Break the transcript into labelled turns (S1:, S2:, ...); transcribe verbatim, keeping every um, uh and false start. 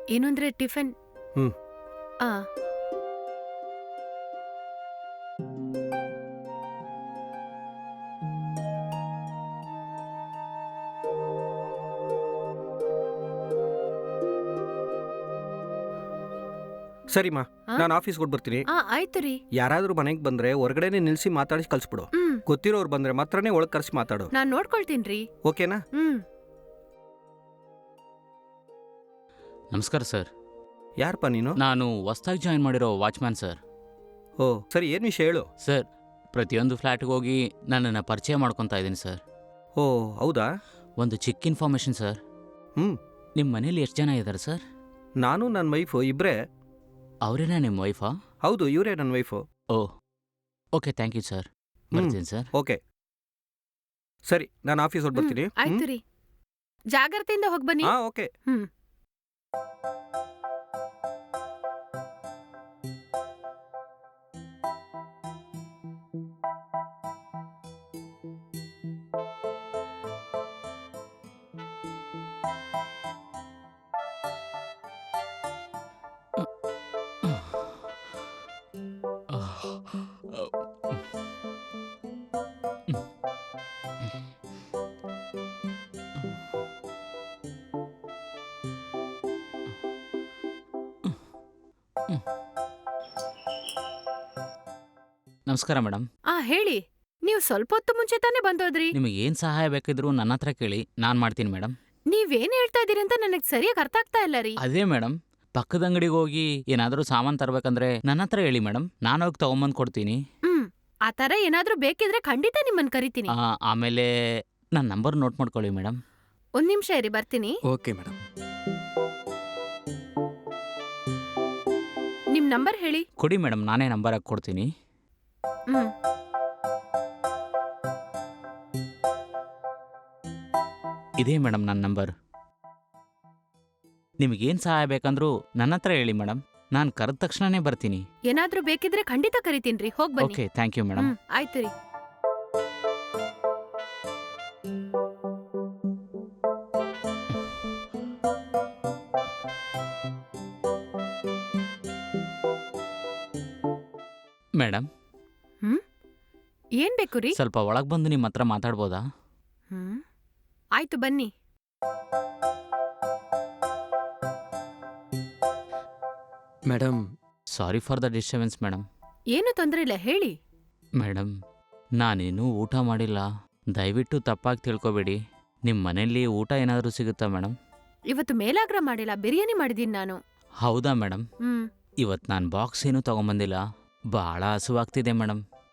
S1: ಏನು ಅಂದ್ರೆ ಟಿಫಿನ್.
S2: ಹ್ಮ್
S1: ಆ
S2: ಸರಿಮಾ,
S1: ಆ?
S2: ನಾನು ಆಫೀಸ್ಗೆ ಕೊಟ್ಟು ಬರ್ತೀನಿ.
S1: ಆ ಆಯ್ತು ರೀ.
S2: ಯಾರಾದ್ರೂ ಮನೆಗೆ ಬಂದ್ರೆ ಹೊರಗಡೆನೆ ನಿಲ್ಸಿ ಮಾತಾಡಿಸಿ ಕಳ್ಸ್ಬಿಡು.
S1: ಹ್ಮ್
S2: ಗೊತ್ತಿರೋರು ಬಂದ್ರೆ ಮಾತ್ರನೇ ಒಳಗೆ ಕರ್ಸಿ ಮಾತಾಡು.
S1: ನಾನ್ ನೋಡ್ಕೊಳ್ತೀನ್ರಿ.
S2: ಓಕೆನಾ?
S1: ಹ್ಮ್
S3: ನಮಸ್ಕಾರ ಸರ್.
S2: ಯಾರಪ್ಪ ನೀನು?
S3: ನಾನು ಹೊಸ್ದಾಗಿ ಜಾಯಿನ್ ಮಾಡಿರೋ ವಾಚ್ಮ್ಯಾನ್ ಸರ್.
S2: ಓ ಸರಿ, ಏನು ವಿಷಯ ಹೇಳು.
S3: ಸರ್, ಪ್ರತಿಯೊಂದು ಫ್ಲ್ಯಾಟ್ಗೆ ಹೋಗಿ ನನ್ನನ್ನು ಪರಿಚಯ ಮಾಡ್ಕೊತಾ ಇದ್ದೀನಿ ಸರ್.
S2: ಓ ಹೌದಾ?
S3: ಒಂದು ಚಿಕ್ಕ ಇನ್ಫಾರ್ಮೇಷನ್ ಸರ್.
S2: ಹ್ಮ್
S3: ನಿಮ್ಮ ಮನೇಲಿ ಎಷ್ಟು ಜನ ಇದ್ದಾರೆ ಸರ್?
S2: ನಾನು ನನ್ನ ವೈಫು ಇಬ್ಬರೇ.
S3: ಅವರೇನಾ ನಿಮ್ಮ ವೈಫಾ?
S2: ಹೌದು, ಇವರೇ ನನ್ನ wife.
S3: Oh okay, thank you sir. ಬರ್ತೀನಿ ಸರ್.
S2: ಓಕೆ ಸರಿ, ನಾನು ಆಫೀಸ್ ಹೊಟ್ಟು ಬರ್ತೀನಿ.
S1: ಹ್ಮ್, ಆಯ್ತು ರೀ. ಜಾಗ್ರತೆಯಿಂದ ಹೋಗ್ಬನ್ನಿ.
S2: ಹಾ ಓಕೆ.
S1: ಹ್ಮ್
S3: ನಮಸ್ಕಾರ ಮೇಡಮ್.
S1: ಆ ಹೇಳಿ. ನೀವು ಸ್ವಲ್ಪ ಹೊತ್ತು ಮುಂಚೆ ತಾನೇ ಬಂದೋದ್ರಿ.
S3: ನಿಮಗೆ ಏನು ಸಹಾಯ ಬೇಕಿದ್ರು ನನ್ನ ಹತ್ರ ಕೇಳಿ, ನಾನು ಮಾಡ್ತೀನಿ ಮೇಡಮ್.
S1: ನೀವೇನ್ ಹೇಳ್ತಾ ಇದೀರಿ ಅಂತ ನನಗ್ ಸರಿಯಾಗಿ ಅರ್ಥ ಆಗ್ತಾ ಇಲ್ಲ ರೀ.
S3: ಅದೇ ಮೇಡಮ್, ಪಕ್ಕದ ಅಂಗಡಿಗೆ ಹೋಗಿ ಏನಾದರೂ ಸಾಮಾನು ತರಬೇಕಂದ್ರೆ ನನ್ನ ಹತ್ರ ಹೇಳಿ ಮೇಡಮ್, ನಾನು ಹೋಗಿ ತಗೊಂಬಂದು ಕೊಡ್ತೀನಿ.
S1: ಹ್ಮ್ ಆ ತರ ಏನಾದ್ರೂ ಬೇಕಿದ್ರೆ ಖಂಡಿತ ನಿಮ್ಮನ್ ಕರಿತೀನಿ.
S3: ಆ, ಆಮೇಲೆ ನನ್ನ ನಂಬರ್ ನೋಟ್ ಮಾಡ್ಕೊಳ್ಳಿ ಮೇಡಮ್.
S1: ಒಂದ್ ನಿಮಿಷ ಇರಿ, ಬರ್ತೀನಿ.
S2: Okay madam.
S1: ನಿಮ್ ನಂಬರ್ ಹೇಳಿ.
S3: ಕೊಡಿ ಮೇಡಮ್, ನಾನೇ ನಂಬರ್ ಹಾಕಿ ಕೊಡ್ತೀನಿ.
S1: ಹ್ಮ್
S3: ಇದೇ ಮೇಡಮ್ ನನ್ನ ನಂಬರ್. ನಿಮಗೇನು ಸಹಾಯ ಬೇಕಂದ್ರೂ ನನ್ನ ಹತ್ರ ಹೇಳಿ ಮೇಡಮ್, ನಾನು ಕರೆದ ತಕ್ಷಣನೇ ಬರ್ತೀನಿ.
S1: ಏನಾದ್ರೂ ಬೇಕಿದ್ರೆ ಖಂಡಿತ ಕರಿತೀನ್ರಿ. ಹೋಗ್ ಬನ್ನಿ.
S3: Okay, thank you madam.
S1: ಹ್ಮ್ ಆಯ್ತು ರೀ.
S3: ಮೇಡಮ್,
S1: ಹ್ಮ್ ಏನ್ ಬೇಕು ರೀ?
S3: ಸ್ವಲ್ಪ ಒಳಗೆ ಬಂದು ನಿಮ್ಮ ಹತ್ರ ಮಾತಾಡ್ಬೋದಾ?
S1: ಹ್ಮ್ ಆಯ್ತು, ಬನ್ನಿ.
S2: Madam,
S3: sorry for the disturbance madam.
S1: ಏನು ತೊಂದ್ರೆ ಇಲ್ಲ, ಹೇಳಿ.
S3: ಮೇಡಮ್, ನಾನೇನೂ ಊಟ ಮಾಡಿಲ್ಲ, ದಯವಿಟ್ಟು ತಪ್ಪಾಗಿ ತಿಳ್ಕೊಬೇಡಿ. ನಿಮ್ಮ ಮನೇಲಿ ಊಟ ಏನಾದರೂ ಸಿಗುತ್ತಾ ಮೇಡಮ್?
S1: ಇವತ್ತು ಮೇಲಾಗ್ರ ಮಾಡಿಲ್ಲ, ಬಿರಿಯಾನಿ ಮಾಡಿದೀನಿ ನಾನು.
S3: ಹೌದಾ ಮೇಡಮ್?
S1: ಹ್ಮ್
S3: ಇವತ್ತು ನಾನು ಬಾಕ್ಸ್ ಏನೂ ತಗೊಂಬಂದಿಲ್ಲ, ಭಾಳ ಹಸುವಾಗ್ತಿದೆ ಮೇಡಮ್.